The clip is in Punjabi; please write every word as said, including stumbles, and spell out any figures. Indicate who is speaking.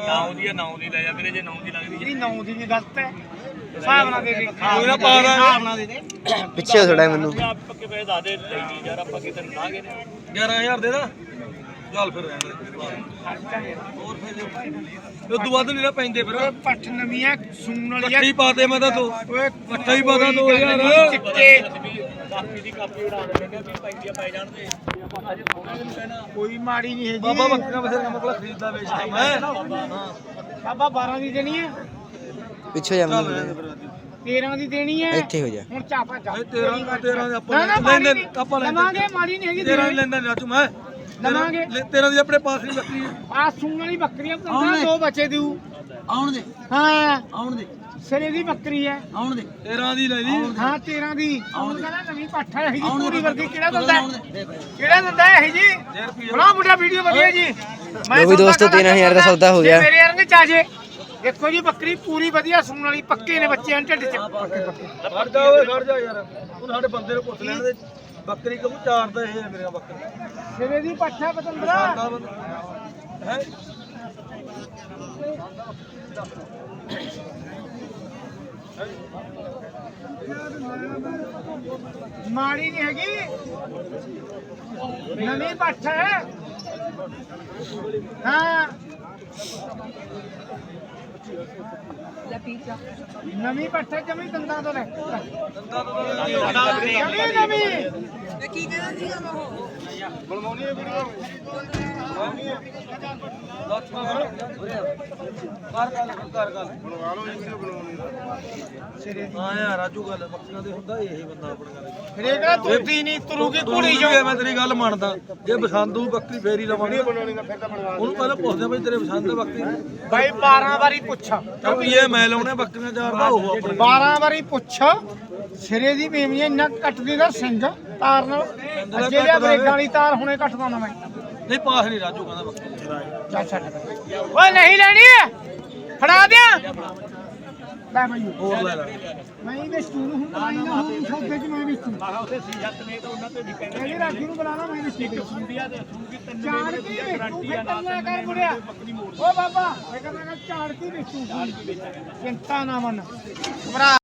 Speaker 1: ਨੌ ਦੀ ਨੌ ਦੀ ਲੈ ਜਾ ਵੀਰੇ ਜੇ ਨੌ ਦੀ ਲੱਗਦੀ
Speaker 2: ਇਹ ਨੌ ਦੀ ਵੀ ਗਲਤ ਹੈ ਹਿਸਾਬ ਨਾਲ ਦੇ ਦੇ
Speaker 1: ਕੋਈ ਨਾ ਪਾ ਦਾਂਗੇ
Speaker 2: ਹਿਸਾਬ ਨਾਲ ਦੇ ਦੇ
Speaker 3: ਪਿੱਛੇ ਥੋੜਾ ਮੈਨੂੰ
Speaker 1: ਆਪ ਪੱਕੇ ਪੈਸੇ ਦੱਸ ਦੇ ਲਈ ਨਹੀਂ ਯਾਰ ਆਪਾਂ ਕਿਤੇ ਲਾ ਗਏ ਨੇ
Speaker 4: ਗਿਆਰਾਂ ਹਜ਼ਾਰ ਦੇ ਦਾ ਚੱਲ ਫਿਰ ਰਹਿਣ ਦੇ ਹੋਰ ਫਿਰ ਉਦੋਂ ਵੱਧ ਨਹੀਂ ਨਾ ਪੈਂਦੇ ਫਿਰ
Speaker 2: ਓਏ ਪੱਠ ਨਵੀਆਂ ਸੂਣ ਵਾਲੀ
Speaker 4: ਇਕੱਠੀ ਪਾ ਦੇ ਮੈਂ ਤਾਂ ਤੂੰ
Speaker 2: ਓਏ
Speaker 4: ਇਕੱਠਾ ਹੀ ਪਾ ਦਾਂ ਦੋ ਹਜ਼ਾਰ
Speaker 2: ਚਿੱਟੇ
Speaker 1: ਕਾਪੀ ਦੀ ਕਾਪੀ ਉਡਾ ਦੇਣਗੇ ਵੀ ਪੈਂਦੀਆਂ ਪੈ ਜਾਣ ਤੇ ਆਪਾਂ ਅਜੇ ਥੋੜਾ ਜਿਹਾ ਕਹਿਣਾ
Speaker 2: ਕੋਈ ਮਾੜੀ ਨਹੀਂ ਹੈਗੀ
Speaker 4: ਬਾਬਾ ਬੱਕਰਾ ਬਸੇਰਾ ਮਕਲਾ ਖਰੀਦਦਾ ਵੇਚਦਾ ਮੈਂ ਹਾਂ
Speaker 2: ਬਾਬਾ ਬਾਰਾਂ ਦੀ ਦੇਣੀ ਹੈ
Speaker 3: ਪਿੱਛੇ ਜਾ
Speaker 4: ਚੱਲ
Speaker 3: ਮੈਨੂੰ
Speaker 2: ਤੇਰਾਂ ਦੀ ਦੇਣੀ ਹੈ
Speaker 3: ਇੱਥੇ ਹੋ ਜਾ
Speaker 2: ਹੁਣ ਚਾਪਾ ਚਾ
Speaker 4: ਇਹ ਤੇਰਾਂ ਤੇਰਾਂ ਦੇ ਆਪਾਂ
Speaker 2: ਨਾ ਨਾ
Speaker 4: ਲੈਂਦੇ
Speaker 2: ਮਾੜੀ
Speaker 4: ਆਪਾਂ
Speaker 2: ਨਹੀਂ
Speaker 4: ਲੈਂਦੇ
Speaker 2: ਲਵਾਂਗੇ ਮਾੜੀ ਨਹੀਂ ਹੈਗੀ
Speaker 4: ਤੇਰਾਂ ਦੀ ਲੈਂਦਾ ਰਾਜੂ ਮੈਂ
Speaker 2: ਲਵਾਂਗੇ
Speaker 4: ਤੇਰਾਂ ਦੀ ਆਪਣੇ ਪਾਸ ਨਹੀਂ ਬੱਕਰੀ
Speaker 2: ਆ ਸੂਣ ਵਾਲੀ ਬੱਕਰੀਆਂ ਪੰਦਰਾਂ ਦੋ ਬੱਚੇ ਦਿਉ
Speaker 3: ਆਉਣ ਦੇ
Speaker 2: ਹਾਂ
Speaker 3: ਆਉਣ ਦੇ
Speaker 2: ਸਿਰੇ ਦੀ ਬੱਕਰੀ ਹੈ
Speaker 3: ਆਉਣ ਦੇ
Speaker 4: ਤੇਰਾਂ ਦੀ ਲੈ ਲਈ
Speaker 2: ਹਾਂ ਤੇਰਾਂ ਦੀ ਹੁਣ ਕਹਿੰਦਾ ਨਵੀਂ ਪੱਠ ਹੈ ਇਹ ਜੀ ਪੂਰੀ ਵਰਗੀ ਕਿਹੜਾ ਦਿੰਦਾ ਹੈ? ਕਿਹੜਾ ਦਿੰਦਾ ਹੈ ਇਹ ਜੀ ਬਣਾ ਮੁੰਡਾ ਵੀਡੀਓ ਵਧੀਆ ਜੀ
Speaker 3: ਲਓ ਵੀ ਦੋਸਤੋ ਤੇਰਾਂ ਹਜ਼ਾਰ ਦਾ ਸੌਦਾ ਹੋ ਗਿਆ।
Speaker 2: ਜੇ ਮੇਰੇ ਯਾਰ ਨੇ ਚਾਜੇ ਦੇਖੋ ਜੀ ਬੱਕਰੀ ਪੂਰੀ ਵਧੀਆ ਸੂਣ ਵਾਲੀ ਪੱਕੇ ਨੇ ਬੱਚੇ ਢਿੱਡ ਚ ਪੱਕੇ ਪੱਕੇ
Speaker 4: ਖੜ ਜਾ ਓਏ ਖੜ ਜਾ ਯਾਰ ਉਹ ਸਾਡੇ ਬੰਦੇ ਨੂੰ ਪੁੱਛ ਲੈਣ ਦੇ ਬੱਕਰੀ ਕਬੂ ਚਾਰਦਾ ਇਹ ਹੈ ਮੇਰਾ ਬੱਕਰੀ
Speaker 2: ਸਿਰੇ ਦੀ ਪੱਠ ਹੈ ਪਤੰਦਰਾ
Speaker 4: ਹੈ
Speaker 2: ਮਾੜੀ ਨਹੀਂ ਹੈਗੀ ਨਵੀਂ ਪੱਠ ਹੈ ਹਾਂ ਨਵੀਂ ਪੱਠ ਹੈ ਜਮੀ ਦੰਦਾਂ ਤੋਂ ਲੈ ਜਮੀ ਨਵੀਂ ਕੀ ਕਹਿੰਦਾ ਸੀਗਾ ਉਹ ਬਣਵਾਉਣੀ ਹੈ ਵੀਡੀਓ
Speaker 4: ਕਰ ਗੱਲ ਕਰ ਗੱਲ ਬਣਵਾ ਲਓ ਇਹ ਵੀਡੀਓ ਬਣਾਉਣੀ ਹਾਂ ਯਾਰ ਰਾਜੂ ਗੱਲ ਬੱਕਰੀਆਂ ਦੇ ਹੁੰਦਾ ਇਹ ਬੰਦਾ ਆਪਣਾ ਗੱਲ
Speaker 2: ਹਰੇਕ ਦਾ ਤੁਰਦੀ ਨਹੀਂ ਤੁਰੂਗੀ ਘੋੜੀ ਜੋ
Speaker 4: ਮੈਂ ਤੇਰੀ ਗੱਲ ਮੰਨਦਾ ਜੇ ਪਸੰਦ ਹੋਊ ਬੱਕਰੀ ਫੇਰ ਹੀ ਲਵਾਂਗੇ ਉਹਨੂੰ ਪਹਿਲਾਂ ਪੁੱਛਦੇ ਬਈ ਤੇਰੇ ਪਸੰਦ ਹੈ ਬੱਕਰੀ
Speaker 2: ਬਾਈ ਬਾਰਾਂ ਵਾਰੀ ਪੁੱਛ
Speaker 4: ਰੁਪਈਏ ਮੈਂ ਲਾਉਣੇ ਬੱਕਰੀਆਂ ਚਾਰਦਾ ਉਹ ਆਪਣੇ
Speaker 2: ਬਾਰਾਂ ਵਾਰੀ ਪੁੱਛ ਸਿਰੇ ਦੀ ਬੇਮੀਆਂ ਇੰਨਾ ਕੱਟਦੀ ਦਾ ਸਿੰਘ ਤਾਰ ਨਾਲ ਅੱਜੇ ਲਿਆ ਬ੍ਰੇਕਾਂ ਵਾਲੀ ਤਾਰ ਹੁਣੇ ਕੱਟਦਾ ਨਾ ਮੈਂ
Speaker 4: ਨਹੀਂ ਪਾਸ ਨਹੀਂ ਰਾਜੂ ਕਹਿੰਦਾ ਬੱਕਰੀ
Speaker 2: ਚੱਲ ਛੱਡ ਓਏ ਨਹੀਂ ਲੈਣੀ ਹੈ ਫੜਾ ਦਿਆਂ ਲੈ ਬਾਈ
Speaker 4: ਹੋਰ ਲੈ ਲੈ
Speaker 2: ਮੈਂ ਹੀ ਵੇਚੂ ਨੂੰ ਹੁਣ ਆਈ ਨਾ ਹੁਣ ਸੌਦੇ ਚ ਮੈਂ ਵੇਚੂ
Speaker 1: ਆਹ ਉੱਥੇ ਸੀ ਜੱਤ ਨੇ ਤਾਂ ਉਹਨਾਂ ਤੇ ਵੀ ਕਹਿੰਦੇ
Speaker 2: ਕਹਿੰਦੀ ਰਾਜੂ ਨੂੰ ਬੁਲਾਣਾ ਮੈਂ ਵੇਚੂ
Speaker 1: ਸੁੰਡੀਆਂ ਤੇ ਸੂਗੀ ਤਿੰਨ
Speaker 2: ਚਾੜ ਕੀ ਵੇਚੂ ਖਤਮ ਕਰ ਮੁੜਿਆ ਓ ਬਾਬਾ ਮੈਂ ਕਹਿੰਦਾ ਝਾੜ ਕੀ ਵੇਚੂ ਚਿੰਤਾ ਨਾ ਮੰਨ ਭਰਾ